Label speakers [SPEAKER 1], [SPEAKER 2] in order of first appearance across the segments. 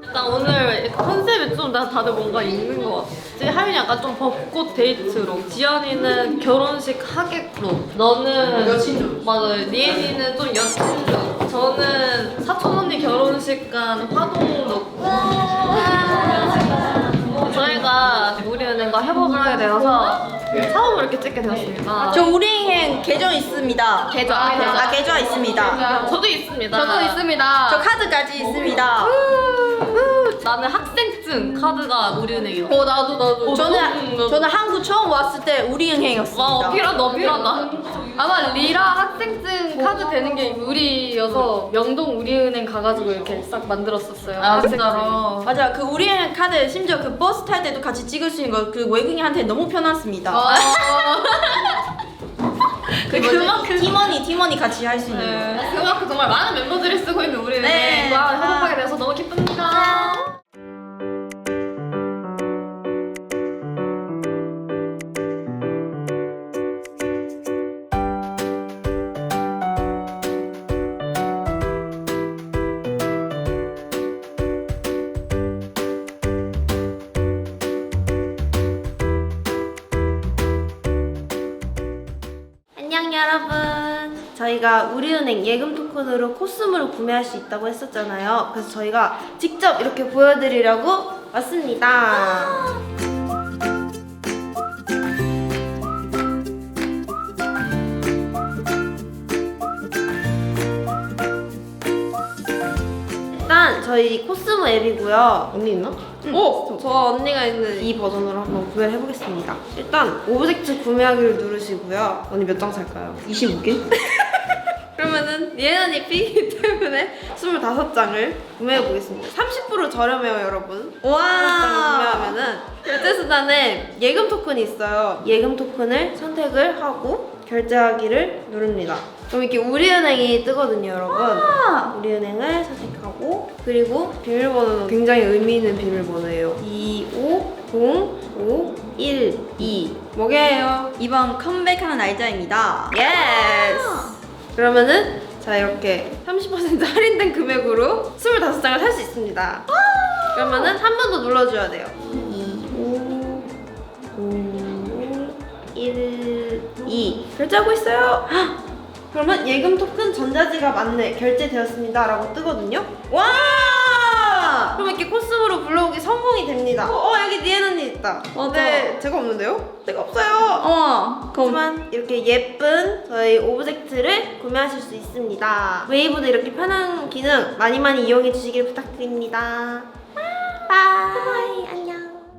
[SPEAKER 1] 나 오늘 컨셉이 좀 다들 뭔가 있는 것 같아. 지금 하윤이 약간 좀 벚꽃 데이트로, 지연이는 결혼식 하객로, 너는
[SPEAKER 2] 여친룩.
[SPEAKER 1] 맞아. 리엔이는 좀 여친룩. 저는 사촌 언니 결혼식 간 화동룩. 저희가 우리은행과 협업을 하게 되어서 처음으로 이렇게 찍게 되었습니다.
[SPEAKER 2] 저 우리은행 계정 있습니다.
[SPEAKER 1] 계좌.
[SPEAKER 2] 계좌 있습니다.
[SPEAKER 1] 저도 있습니다.
[SPEAKER 3] 저도 있습니다.
[SPEAKER 2] 저 카드까지 있습니다.
[SPEAKER 1] 나는 학생증 카드가 우리은행이야.
[SPEAKER 3] 나도.
[SPEAKER 2] 저는 한국 처음 왔을 때 우리은행이었습니다.
[SPEAKER 1] 와, 어필하다.
[SPEAKER 3] 아마 리라 학생증 카드 되는 게 우리여서 명동 우리은행 가가지고 이렇게 싹 만들었었어요.
[SPEAKER 1] 아,
[SPEAKER 3] 학생증.
[SPEAKER 1] 진짜로.
[SPEAKER 2] 맞아, 그 우리은행 카드 심지어 그 버스 탈 때도 같이 찍을 수 있는 거 그 외국인한테 너무 편했습니다.
[SPEAKER 1] 그만큼
[SPEAKER 2] 팀원이 같이 할 수 있는 거.
[SPEAKER 1] 네, 그만큼 정말 많은 멤버들이 쓰고 있는
[SPEAKER 2] 네.
[SPEAKER 1] 우리은행과 협업하게 돼서 너무 기쁩니다.
[SPEAKER 4] 안녕 여러분. 저희가 우리은행 예금 토큰으로 코스모를 구매할 수 있다고 했었잖아요. 그래서 저희가 직접 이렇게 보여드리려고 왔습니다. 일단 저희 코스모 앱이고요. 언니 있나? 저 언니가 있는 이 버전으로 한번 구매를 해보겠습니다. 일단 오브젝트 구매하기를 누르시고요. 언니 몇 장 살까요?
[SPEAKER 2] 25개?
[SPEAKER 4] 그러면은 예은 언니 삐이기 때문에 25장을 구매해보겠습니다. 30% 저렴해요 여러분. 25장
[SPEAKER 2] 와.
[SPEAKER 4] 구매하면은 결제수단에 예금 토큰이 있어요. 예금 토큰을 선택을 하고 결제하기를 누릅니다. 그럼 이렇게 우리은행이 뜨거든요 여러분. 우리은행을 선택하고 그리고 비밀번호는 굉장히 의미 있는 비밀번호예요. 250512 뭐게요?
[SPEAKER 2] 이번 컴백하는 날짜입니다.
[SPEAKER 4] 예스! 그러면은 자 이렇게 30% 할인된 금액으로 25장을 살 수 있습니다. 그러면은 한 번 더 눌러줘야 돼요. 250512 결제하고 있어요. 헉! 그러면 예금 토큰 전자지갑 안내 결제되었습니다 라고 뜨거든요.
[SPEAKER 2] 와!
[SPEAKER 4] 그럼 이렇게 코스모로 불러오기 성공이 됩니다. 여기 니엔 언니 있다.
[SPEAKER 2] 맞아.
[SPEAKER 4] 네, 제가 없는데요? 제가 없어요.
[SPEAKER 2] 그럼
[SPEAKER 4] 하지만 이렇게 예쁜 저희 오브젝트를 구매하실 수 있습니다. 웨이브도 이렇게 편한 기능 많이 이용해 주시길 부탁드립니다. 바이 안녕.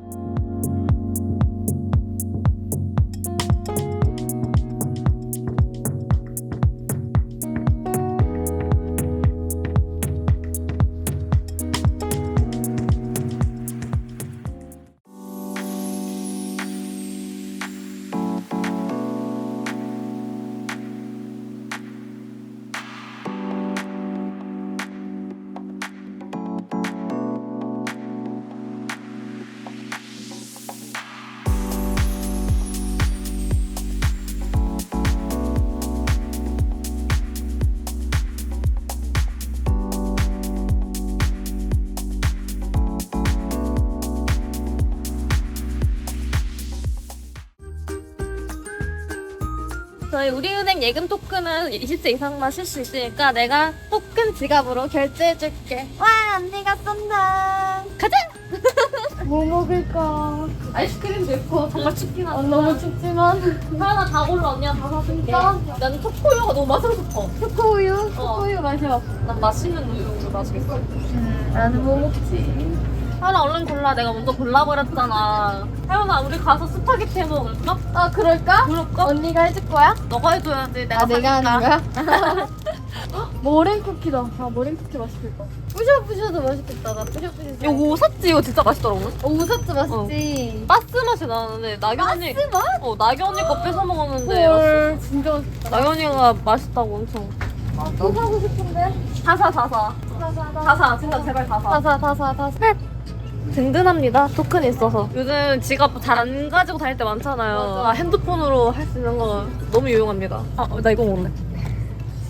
[SPEAKER 1] 저희 우리은행 예금 토큰은 20세 이상만 쓸 수 있으니까 내가 토큰 지갑으로 결제해줄게.
[SPEAKER 3] 와 언니가 쏜다.
[SPEAKER 1] 가자!
[SPEAKER 3] 뭐 먹을까?
[SPEAKER 1] 아이스크림도 있고 정말 춥긴 하다.
[SPEAKER 3] 너무 춥지만
[SPEAKER 1] 하나 다 골라 언니가 다 사줄게. 나는 초코우유가 너무 마시고 싶어.
[SPEAKER 3] 초코우유? 초코우유 마셔.
[SPEAKER 1] 난 맛있는 우유를 마시겠어.
[SPEAKER 3] 나는 뭐 먹지?
[SPEAKER 1] 하나 얼른 골라. 내가 먼저 골라버렸잖아. 혜연아 우리 가서 스파게티 해먹을까?
[SPEAKER 3] 아 그럴까?
[SPEAKER 1] 그럴까?
[SPEAKER 3] 언니가 해줄 거야?
[SPEAKER 1] 너가 해줘야지. 내가
[SPEAKER 3] 내가
[SPEAKER 1] 사줄까?
[SPEAKER 3] 하는 거야? 머랭 쿠키다. 머랭 쿠키 맛있겠다. 뿌셔뿌셔도 맛있겠다. 나 뿌셔뿌셔.
[SPEAKER 1] 이거 샀지? 이거 진짜 맛있더라고.
[SPEAKER 3] 오사츠 맛있지?
[SPEAKER 1] 바스 맛이 나는데 나경이
[SPEAKER 3] 바스 맛?
[SPEAKER 1] 나경이 거 뺏어 먹었는데
[SPEAKER 3] 헐 진짜 맛있다.
[SPEAKER 1] 나경이가 맛있다고 엄청.
[SPEAKER 3] 또 사고 싶은데?
[SPEAKER 1] 다사.
[SPEAKER 3] 사사.
[SPEAKER 1] 진짜 제발 다사.
[SPEAKER 3] 다사.
[SPEAKER 1] 든든합니다. 토큰이 있어서. 요즘 지갑 잘 안 가지고 다닐 때 많잖아요.
[SPEAKER 3] 맞아.
[SPEAKER 1] 핸드폰으로 할 수 있는 거 너무 유용합니다. 나 이거 먹을래.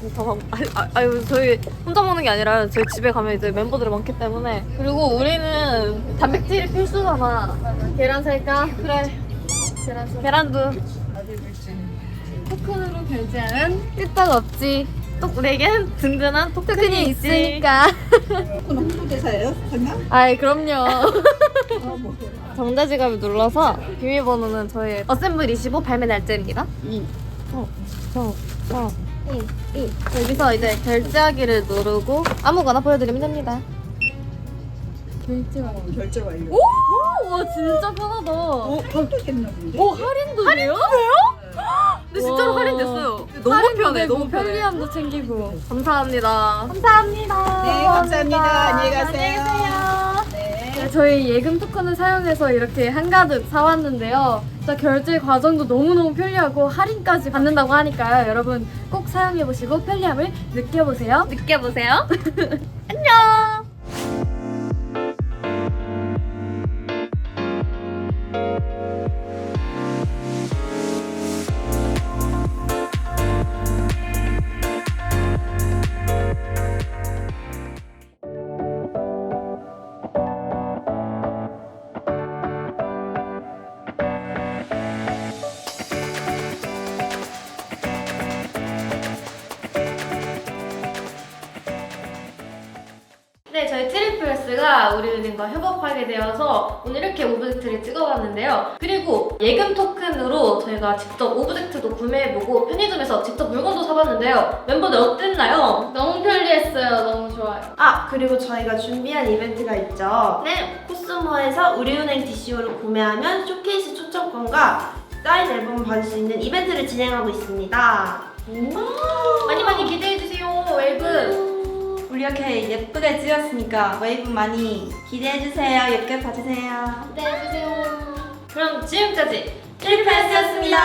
[SPEAKER 1] 멤버들이 다 아유 저희 혼자 먹는 게 아니라 저희 집에 가면 이제 멤버들이 많기 때문에. 그리고 우리는 단백질이 필수잖아. 계란 살까? 그래. 계란도.
[SPEAKER 3] 토큰으로 결제하면 일단 없지.
[SPEAKER 1] 또 우리에겐 든든한 토큰이
[SPEAKER 3] 토큰이
[SPEAKER 1] 있지.
[SPEAKER 3] 있으니까.
[SPEAKER 5] 홍보대사예요? 설마?
[SPEAKER 1] 아이 그럼요. 정자지갑을 눌러서 비밀번호는 저희 어셈블 25 발매 날짜입니다. 2 여기서 이제 결제하기를 누르고 아무거나 보여드리면 됩니다.
[SPEAKER 3] 결제 완료.
[SPEAKER 5] 결제 완료.
[SPEAKER 3] 오! 와 진짜 편하다.
[SPEAKER 5] 할인도 됐나 본데?
[SPEAKER 3] 오 할인도 돼요?
[SPEAKER 1] 근데 진짜로
[SPEAKER 3] 와.
[SPEAKER 1] 할인됐어요. 너무
[SPEAKER 3] 할인도
[SPEAKER 1] 편해.
[SPEAKER 3] 되고
[SPEAKER 1] 너무 편해.
[SPEAKER 3] 편리함도 챙기고.
[SPEAKER 1] 감사합니다.
[SPEAKER 3] 감사합니다.
[SPEAKER 5] 네, 감사합니다. 안녕히 가세요.
[SPEAKER 3] 네, 저희 예금 토큰을 사용해서 이렇게 한가득 사왔는데요. 진짜 결제 과정도 너무너무 편리하고 할인까지 받는다고 하니까요. 여러분 꼭 사용해보시고 편리함을 느껴보세요.
[SPEAKER 1] 느껴보세요.
[SPEAKER 3] 안녕!
[SPEAKER 1] 네, 저희 트리플스가 우리은행과 협업하게 되어서 오늘 이렇게 오브젝트를 찍어봤는데요. 그리고 예금 토큰으로 저희가 직접 오브젝트도 구매해보고 편의점에서 직접 물건도 사봤는데요. 멤버들 어땠나요?
[SPEAKER 3] 너무 편리했어요. 너무 좋아요.
[SPEAKER 4] 아 그리고 저희가 준비한 이벤트가 있죠.
[SPEAKER 1] 네,
[SPEAKER 4] 코스모에서 우리은행 DCO를 구매하면 쇼케이스 초청권과 사인 앨범을 받을 수 있는 이벤트를 진행하고 있습니다.
[SPEAKER 1] 많이 많이 기대해주세요, 웨이브.
[SPEAKER 2] 우리 이렇게 예쁘게 찍었으니까 웨이브 많이 기대해주세요. 예쁘게 봐주세요.
[SPEAKER 1] 기대해주세요. 그럼 지금까지
[SPEAKER 2] 트리플스였습니다.